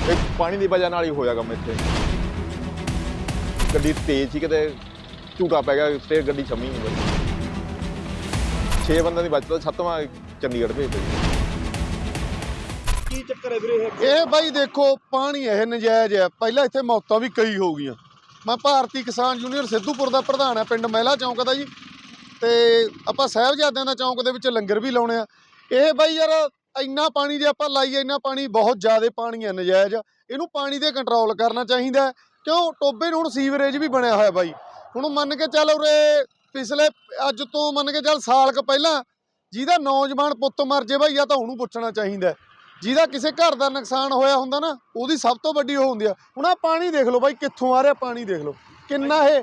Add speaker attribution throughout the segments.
Speaker 1: ਇਹ ਪਾਣੀ ਦੀ ਵਜ੍ਹਾ ਨਾਲ ਹੀ ਹੋਇਆ ਕੰਮ ਇੱਥੇ। ਗੱਡੀ ਤੇਜ਼ ਸੀ, ਕਿਤੇ ਝੂਟਾ ਪੈ ਗਿਆ ਤੇ ਗੱਡੀ ਛੰਮੀ ਨਹੀਂ ਬਣੀ। 6 ਬੰਦਿਆਂ ਦੀ ਬਚਤ, 7ਵਾਂ ਚੰਡੀਗੜ੍ਹ ਭੇਜਿਆ ਜੀ।
Speaker 2: ਕੀ ਚੱਕਰ ਹੈ ਵੀਰੇ
Speaker 3: ਇਹ ਬਾਈ ਦੇਖੋ ਪਾਣੀ ਇਹ ਨਜਾਇਜ਼ ਹੈ। ਪਹਿਲਾਂ ਇੱਥੇ ਮੌਤਾਂ ਵੀ ਕਈ ਹੋ ਗਈਆਂ। ਮੈਂ ਭਾਰਤੀ ਕਿਸਾਨ ਯੂਨੀਅਨ ਸਿੱਧੂਪੁਰ ਦਾ ਪ੍ਰਧਾਨ ਆ, ਪਿੰਡ ਮਹਿਲਾ ਚੌਂਕ ਦਾ ਜੀ। ਤੇ ਆਪਾਂ ਸਾਹਿਬਜ਼ਾਦਿਆਂ ਦਾ ਚੌਂਕ ਦੇ ਵਿੱਚ ਲੰਗਰ ਵੀ ਲਾਉਣੇ ਆ। ਇਹ ਬਾਈ ਯਾਰ ਇੰਨਾ ਪਾਣੀ ਜੇ ਆਪਾਂ ਲਾਈਏ, ਇੰਨਾ ਪਾਣੀ ਬਹੁਤ ਜ਼ਿਆਦਾ ਪਾਣੀ ਹੈ ਨਜਾਇਜ਼। ਇਹਨੂੰ ਪਾਣੀ ਤੇ ਕੰਟਰੋਲ ਕਰਨਾ ਚਾਹੀਦਾ। ਕਿਉਂ ਟੋਬੇ ਨੂੰ ਹੁਣ ਸੀਵਰੇਜ ਵੀ ਬਣਿਆ ਹੋਇਆ ਬਾਈ। ਹੁਣ ਮੰਨ ਕੇ ਚੱਲ ਉਰੇ ਪਿਛਲੇ ਅੱਜ ਤੋਂ ਮੰਨ ਕੇ ਚੱਲ ਸਾਲ ਕੁ ਪਹਿਲਾਂ ਜਿਹਦਾ ਨੌਜਵਾਨ ਪੁੱਤ ਮਰ ਜੇ ਬਾਈ, ਆ ਤਾਂ ਉਹਨੂੰ ਪੁੱਛਣਾ ਚਾਹੀਦਾ। ਜਿਹਦਾ ਕਿਸੇ ਘਰ ਦਾ ਨੁਕਸਾਨ ਹੋਇਆ ਹੁੰਦਾ ਨਾ, ਉਹਦੀ ਸਭ ਤੋਂ ਵੱਡੀ ਉਹ ਹੁੰਦੀ ਆ। ਹੁਣ ਆ ਪਾਣੀ ਦੇਖ ਲਓ ਬਾਈ, ਕਿੱਥੋਂ ਆ ਰਿਹਾ ਪਾਣੀ ਦੇਖ ਲਓ ਕਿੰਨਾ ਇਹ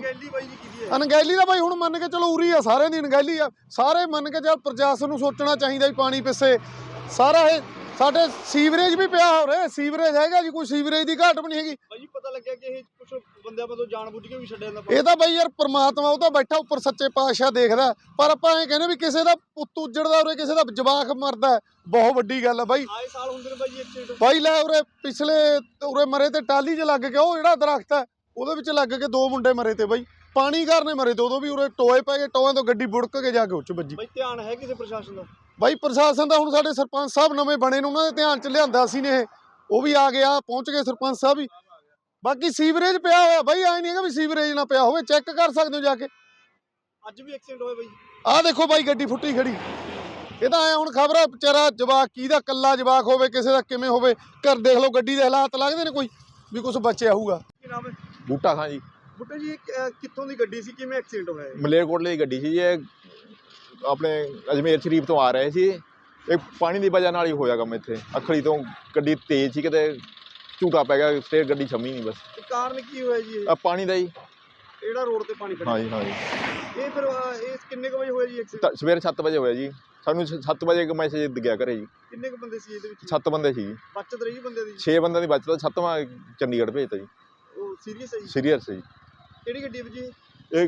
Speaker 3: ਅਣਗਹਿਲੀ ਦਾ ਬਾਈ। ਹੁਣ ਮੰਨ ਕੇ ਚਲੋ ਉਰੀ ਆ, ਸਾਰਿਆਂ ਦੀ ਅਣਗਹਿਲੀ ਆ। ਸਾਰੇ ਮੰਨ ਕੇ ਚੱਲ ਪ੍ਰਸ਼ਾਸਨ ਨੂੰ ਸੋਚਣਾ ਚਾਹੀਦਾ ਵੀ ਪਾਣੀ ਪਿੱਛੇ ਸਾਰਾ ਇਹ ਸਾਡੇ ਸੀਵਰੇਜ ਵੀ ਪਿਆ ਹੋ ਰਿਹਾ। ਸੀਵਰੇਜ ਹੈਗਾ ਜੀ, ਕੋਈ ਸੀਵਰੇਜ ਦੀ ਘਾਟ ਵੀ ਨਹੀਂ ਹੈਗੀ
Speaker 2: ਬਾਈ ਜੀ। ਪਤਾ ਲੱਗਿਆ ਕਿ ਇਹ ਕੁਝ ਬੰਦਿਆਂ ਵੱਲੋਂ ਜਾਣਬੁੱਝ ਕੇ ਵੀ ਛੱਡਿਆ ਜਾਂਦਾ।
Speaker 3: ਇਹ ਤਾਂ ਬਾਈ ਯਾਰ ਪ੍ਰਮਾਤਮਾ ਉਹ ਤਾਂ ਬੈਠਾ ਉੱਪਰ ਸੱਚੇ ਪਾਤਸ਼ਾਹ ਦੇਖਦਾ। ਪਰ ਆਪਾਂ ਇਹ ਕਹਿੰਦੇ ਵੀ ਕਿਸੇ ਦਾ ਪੁੱਤ ਉੱਜੜਦਾ ਉਰੇ, ਕਿਸੇ ਦਾ ਜਵਾਕ ਮਰਦਾ, ਬਹੁਤ ਵੱਡੀ ਗੱਲ ਆ ਬਾਈ।
Speaker 2: ਆਏ ਸਾਲ ਹੁੰਦੇ ਨੇ ਬਾਈ ਜੀ ਐਕਸੀਡੈਂਟ।
Speaker 3: ਬਾਈ ਲੈ ਉਰੇ ਪਿਛਲੇ ਉਰੇ ਮਰੇ ਤੇ ਟਾਲੀ 'ਚ ਲੱਗ ਕੇ, ਉਹ ਜਿਹੜਾ ਦਰਖਤ ਹੈ ਉਹਦੇ ਵਿੱਚ ਲੱਗ ਕੇ 2 ਮੁੰਡੇ ਮਰੇ ਤੇ ਬਾਈ। ਪਾਣੀ ਕਾਰਨ ਮਰੇ ਤੇ, ਉਦੋਂ ਵੀ ਉਰੇ ਟੋਏ ਪੈ ਗਏ, ਟੋਆਂ ਤੋਂ ਗੱਡੀ ਬੁੜਕ ਕੇ ਜਾ ਕੇ ਉੱਚ ਵੱਜੀ।
Speaker 2: ਬਾਈ ਧਿਆਨ ਹੈ ਕਿਸੇ ਪ੍ਰਸ਼ਾਸਨ ਦਾ?
Speaker 3: ਬਾਈ ਪ੍ਰਸ਼ਾਸਨ ਦਾ ਹੁਣ ਸਾਡੇ ਸਰਪੰਚ ਸਾਹਿਬ ਨਵੇਂ ਬਣੇ ਨੇ, ਉਹਨਾਂ ਦੇ ਧਿਆਨ 'ਚ ਲਿਆਂਦਾ ਸੀ ਨੇ। ਉਹ ਵੀ ਆ ਗਿਆ, ਪਹੁੰਚ ਗਏ ਸਰਪੰਚ ਸਾਹਿਬ ਵੀ। ਬਾਕੀ ਸੀਵਰੇਜ ਪਿਆ ਹੋਇਆ ਬਾਈ, ਐ ਨਹੀਂ ਹੈਗਾ ਵੀ ਸੀਵਰੇਜ ਨਾ ਪਿਆ ਹੋਵੇ। ਚੈੱਕ ਕਰ ਸਕਦੇ ਹੋ ਜਾ ਕੇ।
Speaker 2: ਅੱਜ ਵੀ ਐਕਸੀਡੈਂਟ ਹੋਇਆ ਬਾਈ।
Speaker 3: ਆਹ ਦੇਖੋ ਬਾਈ ਗੱਡੀ ਫੁੱਟੀ ਖੜੀ। ਇਹ ਤਾਂ ਐ ਹੁਣ ਖਬਰ ਆ ਵਿਚਾਰਾ ਜਵਾਕ ਕਿਹਦਾ, ਕੱਲਾ ਜਵਾਕ ਹੋਵੇ, ਕਿਸੇ ਦਾ ਕਿਵੇਂ ਹੋਵੇ। ਘਰ ਦੇਖ ਲਓ ਗੱਡੀ ਦੇ ਹਾਲਾਤ ਲੱਗਦੇ ਨੇ ਕੋਈ ਵੀ ਕੁਝ ਬਚਿਆ ਹੋਊਗਾ।
Speaker 2: ਕੀ ਨਾਮ ਹੈ?
Speaker 1: ਬੂਟਾ ਖਾਂ ਜੀ।
Speaker 2: ਬੁੱਟੇ ਜੀ, ਕਿੱਥੋਂ ਦੀ ਗੱਡੀ ਸੀ, ਕਿਵੇਂ ਐਕਸੀਡੈਂਟ ਹੋਇਆ?
Speaker 1: ਮਲੇਰਕੋਟਲੇ ਦੀ ਗੱਡੀ ਸੀ ਜੀ। ਇਹ ਆਪਣੇ ਅਜਮੇਰ ਸ਼ਰੀਫ ਤੋਂ ਆ ਰਹੇ ਸੀ। ਇਹ ਪਾਣੀ ਦੀ ਵਜ੍ਹਾ ਨਾਲ ਹੀ ਹੋਇਆ ਕੰਮ ਇੱਥੇ। ਅਖੜੀ ਤੋਂ ਗੱਡੀ ਤੇਜ਼ ਸੀ, ਕਿਤੇ ਝੂਟਾ ਪੈ ਗਿਆ ਤੇ ਗੱਡੀ ਛੰਮੀ ਨਹੀਂ ਬਸ।
Speaker 2: ਕਾਰਨ ਕੀ ਹੋਇਆ ਜੀ?
Speaker 1: ਆ ਪਾਣੀ ਦਾ ਹੀ।
Speaker 2: ਜਿਹੜਾ ਰੋਡ ਤੇ ਪਾਣੀ ਖੜਾ।
Speaker 1: ਹਾਂਜੀ ਹਾਂਜੀ।
Speaker 2: ਇਹ ਫਿਰ ਇਹ ਕਿੰਨੇ ਕੁ ਵਜੇ ਹੋਇਆ ਜੀ ਐਕਸੀਡੈਂਟ?
Speaker 1: ਸਵੇਰੇ 7 ਵਜੇ ਹੋਇਆ ਜੀ। ਸਾਨੂੰ 7 ਵਜੇ ਇੱਕ ਮੈਸੇਜ ਗਿਆ ਘਰੇ ਜੀ।
Speaker 2: ਕਿੰਨੇ ਕੁ ਬੰਦੇ ਸੀ ਇਹਦੇ ਵਿੱਚ?
Speaker 1: 7 ਬੰਦੇ ਸੀ ਜੀ।
Speaker 2: ਬਚਤ ਰਹੀ ਬੰਦੇ ਦੀ?
Speaker 1: 6 ਬੰਦਿਆਂ ਦੀ ਬਚਤ, 7ਵਾਂ ਚੰਡੀਗੜ੍ਹ ਭੇਜਤਾ ਜੀ।
Speaker 2: ਉਹ ਸੀਰੀਅਸ ਹੈ ਜੀ?
Speaker 1: ਸੀਰੀਅਸ ਜੀ।
Speaker 2: ਕਿਹੜੀ ਗੱਡੀ ਵਿੱਚ ਜੀ?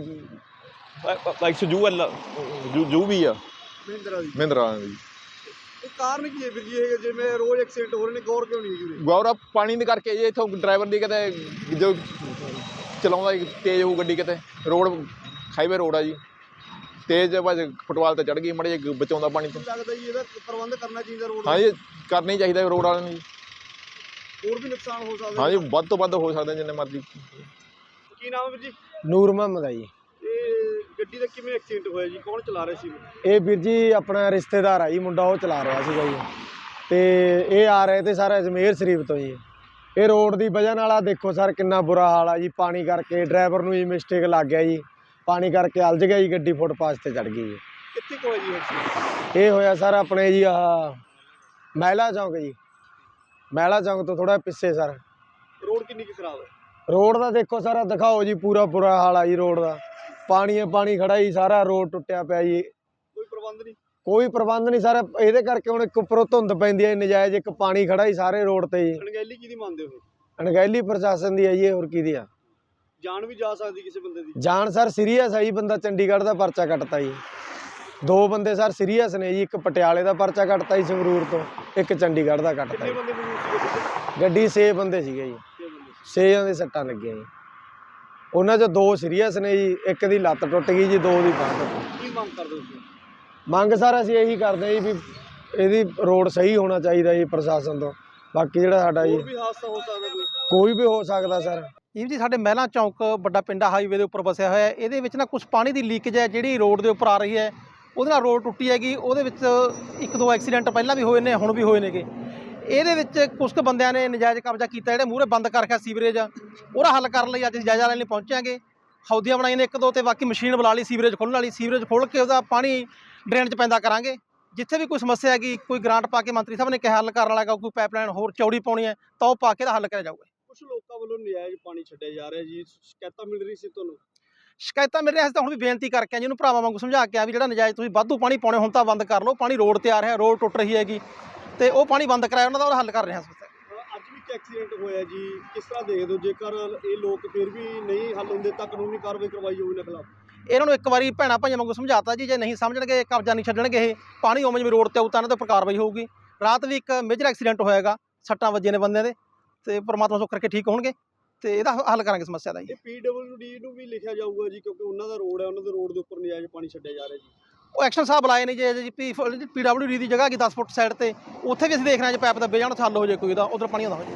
Speaker 1: ਇਹ ਲਾਈਕ ਜੂ ਵੀ ਆ,
Speaker 2: ਮਹਿੰਦਰਾ ਦੀ।
Speaker 1: ਮਹਿੰਦਰਾ ਦੀ।
Speaker 2: ਇਹ ਕਾਰਨ ਕੀ ਹੈ ਵੀਰ ਜੀ? ਇਹ ਜਿਵੇਂ ਰੋਜ਼ ਐਕਸੀਡੈਂਟ ਹੋ ਰਹੇ ਨੇ, ਗੌਰ ਕਿਉਂ ਨਹੀਂ ਹੈਗੀ ਵੀਰੇ?
Speaker 1: ਗੌਰਵ ਪਾਣੀ ਦੇ ਕਰਕੇ ਜੀ। ਇੱਥੋਂ ਡਰਾਈਵਰ ਦੀ ਕਿਤੇ ਜੋ ਚਲਾਉਂਦਾ ਤੇਜ਼ ਹੋਊ ਗੱਡੀ, ਕਿਤੇ ਰੋਡ ਹਾਈਵੇ ਰੋਡ ਆ ਜੀ, ਤੇਜ਼ ਬਸ ਫੁੱਟਵਾਲ ਤੇ ਚੜ੍ਹ ਗਈ, ਮੜੇ ਜੇ ਬਚਾਉਂਦਾ ਪਾਣੀ ਤੋਂ।
Speaker 2: ਲੱਗਦਾ ਜੀ ਇਹਦਾ ਪ੍ਰਬੰਧ ਕਰਨਾ ਚਾਹੀਦਾ ਰੋਡ।
Speaker 1: ਹਾਂਜੀ ਕਰਨਾ ਹੀ ਚਾਹੀਦਾ ਰੋਡ ਵਾਲਿਆਂ ਨੂੰ ਜੀ।
Speaker 2: ਹੋਰ ਵੀ ਨੁਕਸਾਨ ਹੋ ਸਕਦਾ।
Speaker 1: ਹਾਂਜੀ ਵੱਧ ਤੋਂ ਵੱਧ ਹੋ ਸਕਦਾ ਜਿੰਨੇ ਮਰਜ਼ੀ।
Speaker 2: ਕੀ ਨਾਮ ਹੈ ਵੀਰ ਜੀ?
Speaker 4: ਨੂਰ ਮੁਹੰਮਦ ਆ ਜੀ।
Speaker 2: ਇਹ ਗੱਡੀ ਦਾ ਕਿਵੇਂ ਐਕਸੀਡੈਂਟ ਹੋਇਆ ਜੀ? ਕੌਣ ਚਲਾ ਰਿਹਾ ਸੀ?
Speaker 4: ਇਹ ਵੀਰ ਜੀ ਆਪਣਾ ਰਿਸ਼ਤੇਦਾਰ ਆ ਜੀ, ਮੁੰਡਾ ਉਹ ਚਲਾ ਰਿਹਾ ਸੀਗਾ ਜੀ। ਤੇ ਇਹ ਆ ਰਹੇ ਤੇ ਸਰ ਅਜਮੇਰ ਸ਼ਰੀਫ ਤੋਂ ਜੀ। ਇਹ ਰੋਡ ਦੀ ਵਜ੍ਹਾ ਨਾਲ ਆ ਦੇਖੋ ਸਰ ਕਿੰਨਾ ਬੁਰਾ ਹਾਲ ਆ ਜੀ। ਪਾਣੀ ਕਰਕੇ ਡਰਾਈਵਰ ਨੂੰ ਜੀ ਮਿਸਟੇਕ ਲੱਗ ਗਿਆ ਜੀ, ਪਾਣੀ ਕਰਕੇ ਉਲਝ ਗਿਆ ਜੀ, ਗੱਡੀ ਫੁੱਟਪਾਥ ਤੇ ਚੜ ਗਈ ਜੀ।
Speaker 2: ਕਿੱਥੇ ਕੁ ਹੋਇਆ ਜੀ ਐਕਸੀਡੈਂਟ?
Speaker 4: ਇਹ ਹੋਇਆ ਸਰ ਆਪਣੇ ਜੀ ਆਹ ਮਹਿਲਾ ਚੌਂਕ ਜੀ। ਮਹਿਲਾ ਚੌਂਕ ਤੋਂ ਥੋੜਾ ਪਿੱਛੇ ਸਰ।
Speaker 2: ਰੋਡ ਕਿੰਨੀ ਕੁ ਖਰਾਬ ਹੈ?
Speaker 4: ਰੋਡ ਦਾ ਦੇਖੋ ਸਰ ਦਿਖਾਓ ਜੀ, ਪੂਰਾ ਬੁਰਾ ਹਾਲ ਆ ਜੀ ਰੋਡ ਦਾ। ਪਾਣੀ ਪਾਣੀ ਖੜਾ ਜੀ, ਸਾਰਾ ਰੋਡ ਟੁੱਟਿਆ ਪਿਆ ਜੀ।
Speaker 2: ਕੋਈ ਪ੍ਰਬੰਧ ਨਹੀਂ?
Speaker 4: ਕੋਈ ਪ੍ਰਬੰਧ ਨਹੀਂ ਸਰ। ਇਹਦੇ ਕਰਕੇ ਹੁਣ ਇੱਕ ਉੱਪਰੋਂ ਧੁੰਦ ਪੈਂਦੀ ਹੈ ਨਜਾਇਜ਼, ਇੱਕ ਪਾਣੀ ਖੜਾ ਹੀ ਸਾਰੇ ਰੋਡ ਤੇ ਜੀ।
Speaker 2: ਅਣਗਹਿਲੀ ਕਿਹਦੀ ਮੰਨਦੇ ਹੋ?
Speaker 4: ਅਣਗਹਿਲੀ ਪ੍ਰਸ਼ਾਸਨ ਦੀ ਹੈ ਜੀ, ਹੋਰ ਕਿਹਦੀ ਆ?
Speaker 2: ਜਾਨ ਵੀ ਜਾ ਸਕਦੀ ਕਿਸੇ ਬੰਦੇ ਦੀ।
Speaker 4: ਜਾਨ ਸਰ ਸੀਰੀਅਸ ਹੈ ਜੀ। ਬੰਦਾ ਚੰਡੀਗੜ੍ਹ ਦਾ ਪਰਚਾ ਕੱਟਤਾ ਜੀ। 2 ਬੰਦੇ ਸਰ ਸੀਰੀਅਸ ਨੇ ਜੀ। ਇੱਕ ਪਟਿਆਲੇ ਦਾ ਪਰਚਾ ਕੱਟਤਾ ਜੀ ਸੰਗਰੂਰ ਤੋਂ, ਇੱਕ ਚੰਡੀਗੜ੍ਹ ਦਾ ਕੱਟਤਾ
Speaker 2: ਕਿੰਨੇ
Speaker 4: ਜੀ।
Speaker 2: ਬੰਦੇ ਮੌਜੂਦ ਸੀ?
Speaker 4: ਗੱਡੀ 6 ਬੰਦੇ ਸੀਗੇ ਜੀ। 6 ਦੇ ਸੱਟਾਂ ਲੱਗੀਆਂ ਜੀ। ਉਹਨਾਂ 'ਚੋਂ 2 ਸੀਰੀਅਸ ਨੇ ਜੀ, ਇੱਕ ਦੀ ਲੱਤ ਟੁੱਟ ਗਈ ਜੀ, 2 ਦੀ ਬਾਂਹ ਟੁੱਟ ਗਈ।
Speaker 2: ਕੀ ਮੰਗ ਕਰਦੇ ਹੋ ਤੁਸੀਂ?
Speaker 4: ਮੰਗ ਸਰ ਅਸੀਂ ਇਹੀ ਕਰਦੇ ਜੀ ਵੀ ਇਹਦੀ ਰੋਡ ਸਹੀ ਹੋਣਾ ਚਾਹੀਦਾ ਜੀ ਪ੍ਰਸ਼ਾਸਨ ਤੋਂ। ਬਾਕੀ ਜਿਹੜਾ ਸਾਡਾ ਜੀ
Speaker 2: ਹੋਰ ਵੀ ਹਾਦਸਾ ਹੋ ਸਕਦਾ
Speaker 4: ਕੋਈ ਵੀ ਹੋ ਸਕਦਾ ਸਰ।
Speaker 5: ਇਹ ਜੀ ਸਾਡੇ ਮਹਿਲਾ ਚੌਂਕ ਵੱਡਾ ਪਿੰਡ ਹਾਈਵੇ ਦੇ ਉੱਪਰ ਵਸਿਆ ਹੋਇਆ ਹੈ। ਇਹਦੇ ਵਿੱਚ ਨਾ ਕੁਝ ਪਾਣੀ ਦੀ ਲੀਕੇਜ ਹੈ ਜਿਹੜੀ ਰੋਡ ਦੇ ਉੱਪਰ ਆ ਰਹੀ ਹੈ, ਉਹਦੇ ਨਾਲ ਰੋਡ ਟੁੱਟੀ ਹੈਗੀ। ਉਹਦੇ ਵਿੱਚ 1-2 ਐਕਸੀਡੈਂਟ ਪਹਿਲਾਂ ਵੀ ਹੋਏ ਨੇ, ਹੁਣ ਵੀ ਹੋਏ ਨੇਗੇ। ਇਹਦੇ ਵਿੱਚ ਕੁਝ ਕੁ ਬੰਦਿਆਂ ਨੇ ਨਜਾਇਜ਼ ਕਬਜ਼ਾ ਕੀਤਾ, ਜਿਹੜੇ ਮੂਹਰੇ ਬੰਦ ਕਰ ਰੱਖਿਆ ਸੀਵਰੇਜ, ਉਹਦਾ ਹੱਲ ਕਰਨ ਲਈ ਅੱਜ ਅਸੀਂ ਜਾਇਜ਼ਾ ਲੈਣ ਲਈ ਪਹੁੰਚਾਂਗੇ। ਹੌਦੀਆਂ ਬਣਾਈਆਂ ਨੇ 1-2 ਤੇ ਬਾਕੀ ਮਸ਼ੀਨ ਬੁਲਾ ਲਈ ਸੀਵਰੇਜ ਖੋਲ੍ਹਣ ਵਾਲੀ। ਸੀਵਰੇਜ ਖੋਲ੍ਹ ਕੇ ਉਹਦਾ ਪਾਣੀ ਡਰੇਨ 'ਚ ਪੈਂਦਾ ਕਰਾਂਗੇ। ਜਿੱਥੇ ਵੀ ਕੋਈ ਸਮੱਸਿਆ ਹੈਗੀ, ਕੋਈ ਗ੍ਰਾਂਟ ਪਾ ਕੇ ਮੰਤਰੀ ਸਾਹਿਬ ਨੇ ਕਿਹਾ ਹੱਲ ਕਰਨ ਵਾਲਾ, ਕੋਈ ਪਾਈਪਲਾਈਨ ਹੋਰ ਚੌੜੀ ਪਾਉਣੀ ਹੈ ਤਾਂ ਉਹ ਪਾ ਕੇ ਦਾ ਹੱਲ ਕਰਿਆ ਜਾਊਗਾ।
Speaker 2: ਕੁਝ ਲੋਕਾਂ ਵੱਲੋਂ ਨਜਾਇਜ਼ ਪਾਣੀ ਛੱਡਿਆ ਜਾ ਰਿਹਾ ਜੀ, ਸ਼ਿਕਾਇਤਾਂ ਮਿਲ ਰਹੀ ਸੀ ਤੁਹਾਨੂੰ?
Speaker 5: ਸ਼ਿਕਾਇਤਾਂ ਮਿਲ ਰਹੀਆਂ ਸੀ ਤਾਂ ਹੁਣ ਵੀ ਬੇਨਤੀ ਕਰਕੇ ਆ ਜੀ, ਉਹਨੂੰ ਭਰਾਵਾਂ ਵਾਂਗੂ ਸਮਝਾ ਕੇ ਆ ਵੀ ਜਿਹੜਾ ਨਜਾਇਜ਼ ਤੁਸੀਂ ਵਾਧੂ ਪਾਣੀ ਪਾਉਣੇ ਹੁਣ ਤਾਂ ਬੰਦ ਕਰ ਲਓ। ਪਾਣੀ ਰੋਡ ਤੇ ਆ ਰਿਹਾ, ਰੋਡ ਟੁੱਟ ਰਹੀ ਹੈਗੀ ਤੇ ਉਹ ਪਾਣੀ ਬੰਦ ਕਰਾਇਆ, ਉਹਨਾਂ ਦਾ ਹੱਲ ਕਰ ਰਹੇ ਹਾਂ।
Speaker 2: ਅੱਜ ਵੀ ਇੱਕ ਐਕਸੀਡੈਂਟ ਹੋਇਆ ਜੀ, ਕਿਸ ਤਰ੍ਹਾਂ ਦੇਖਦੇ ਹੋ? ਜੇਕਰ ਇਹ ਲੋਕ ਫਿਰ ਵੀ ਨਹੀਂ ਹੱਲ ਹੁੰਦੇ ਤਾਂ ਕਾਨੂੰਨੀ ਕਾਰਵਾਈ ਕਰਵਾਈ ਜਾਊਗੀ ਇਹਨਾਂ ਖਿਲਾਫ?
Speaker 5: ਇਹਨਾਂ ਨੂੰ ਇੱਕ ਵਾਰੀ ਭੈਣਾਂ ਭਾਈਆਂ ਵਾਂਗੂ ਸਮਝਾਤਾ ਜੀ, ਜੇ ਨਹੀਂ ਸਮਝਣਗੇ ਕਬਜ਼ਾ ਨਹੀਂ ਛੱਡਣਗੇ, ਇਹ ਪਾਣੀ ਉਵੇਂ ਜਿਵੇਂ ਰੋਡ ਤੇ ਆਊ ਤਾਂ ਇਹਨਾਂ ਤੇ ਉੱਪਰ ਕਾਰਵਾਈ ਹੋਊਗੀ। ਰਾਤ ਵੀ ਇੱਕ ਮੇਜਰ ਐਕਸੀਡੈਂਟ ਹੋਇਆਗਾ, ਸੱਟਾਂ ਵੱਜੀਆਂ ਨੇ ਬੰਦਿਆਂ ਦੇ। ਤੇ ਪ੍ਰਮਾਤਮਾ ਸੁੱਖ ਕਰਕੇ ਠੀਕ ਹੋਣਗੇ ਤੇ ਇਹਦਾ ਹੱਲ ਕਰਾਂਗੇ ਸਮੱਸਿਆ ਦਾ ਜੀ।
Speaker 2: ਇਹ PWD ਨੂੰ ਵੀ ਲਿਖਿਆ ਜਾਊਗਾ ਜੀ, ਕਿਉਂਕਿ ਉਹਨਾਂ ਦਾ ਰੋਡ ਹੈ, ਉਹਨਾਂ ਦੇ ਰੋਡ ਦੇ ਉੱਪਰ ਨਜਾਇਜ਼ ਪਾਣੀ ਛੱਡਿਆ ਜਾ ਰਿਹਾ ਜੀ।
Speaker 5: ਉਹ ਐਕਸ਼ਨ ਸਾਹਿਬ ਬੁਲਾਏ ਨੇ ਜੀ PWD ਦੀ ਜਗ੍ਹਾ ਹੈਗੀ 10 ਫੁੱਟ ਸਾਈਡ ਤੇ, ਉੱਥੇ ਵੀ ਅਸੀਂ ਦੇਖ ਰਹੇ ਹਾਂ ਜੇ ਪਾਈਪ ਦੱਬੇ ਜਾਣ, ਹੱਲ ਹੋ ਜਾਏ ਕੋਈ ਦਾ, ਉਧਰ ਪਾਣੀ ਆਉਂਦਾ ਹੋ ਜਾਏ।